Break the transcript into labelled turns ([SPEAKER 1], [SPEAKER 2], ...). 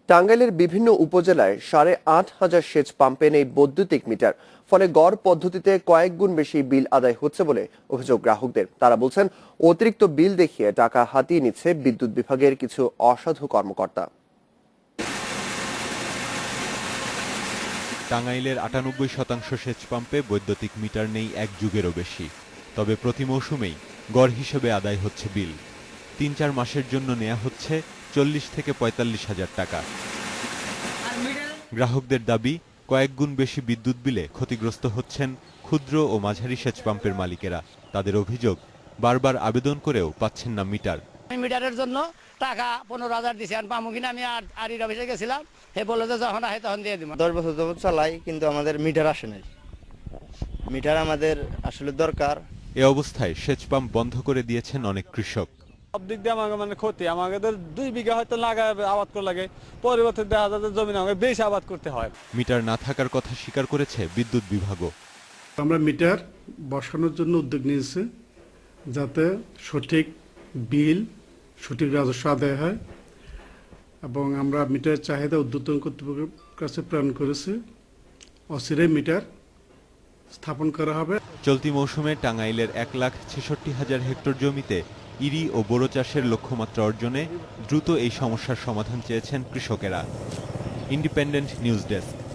[SPEAKER 1] টাঙ্গাইলের বিভিন্ন উপজেলায় ৮,৫০০ সেচ পাম্পে নেই বৈদ্যুতিক মিটার। ফলে গড় পদ্ধতিতে কয়েক গুণ বেশি বিল আদায় হচ্ছে বলে অভিযোগ গ্রাহকদের। তারা বলছেন, অতিরিক্ত বিল দেখিয়ে টাকা হাতিয়ে নিচ্ছে বিদ্যুৎ বিভাগের কিছু অসাধু কর্মকর্তা।
[SPEAKER 2] টাঙ্গাইলের ৯৮% সেচ পাম্পে বৈদ্যুতিক মিটার নেই এক যুগেরও বেশি। তবে প্রতি মৌসুমেই গড় হিসেবে আদায় হচ্ছে বিল। ৩-৪ মাসের জন্য নেওয়া হচ্ছে ৪০ থেকে ৪৫ হাজার টাকা। গ্রাহকদের দাবি, কয়েক গুণ বেশি বিদ্যুৎ বিলে ক্ষতিগ্রস্ত হচ্ছেন ক্ষুদ্র ও মাঝারি সেচ পাম্পের মালিকেরা। তাদের অভিযোগ, বারবার আবেদন করেও পাচ্ছেন না মিটার।
[SPEAKER 3] মিটারের জন্য টাকা ১৫,০০০ দিয়েছি, আর পামু কিনা আমি আর অফিসে গেছিলাম, হে বললো যে যখন আসে তখন দিয়ে দিব।
[SPEAKER 4] 10 বছর যাবত চালাই, কিন্তু আমাদের মিটার আসে নাই। মিটার আমাদের আসলে দরকার।
[SPEAKER 2] এ অবস্থায় সেচ পাম্প বন্ধ করে দিয়েছেন অনেক কৃষক।
[SPEAKER 5] সব দিক দিয়ে আমাকে ক্ষতি। আমাদের 2 বিঘা হয়তো লাগায় আবাদ করা লাগে, পরিবর্তে দেখা যায় যে জমি আমাকে বেশি আবাদ করতে হয়।
[SPEAKER 2] মিটার না থাকার কথা স্বীকার করেছে বিদ্যুৎ বিভাগও।
[SPEAKER 6] আমরা মিটার বসানোর জন্য উদ্যোগ নিয়েছি, যাতে সঠিক বিল, সঠিক রাজস্ব আদায় হয়, এবং আমরা মিটারের চাহিদা ঊর্ধ্বতন কর্তৃপক্ষের কাছে প্রেরণ করেছি। অচিরেই মিটার স্থাপন করা হবে।
[SPEAKER 2] চলতি মৌসুমে টাঙ্গাইলের ১,৬৬,০০০ হেক্টর জমিতে ইরি ও বোরো চাষের লক্ষ্যমাত্রা অর্জনে দ্রুত এই সমস্যার সমাধান চেয়েছেন কৃষকেরা। Independent news desk.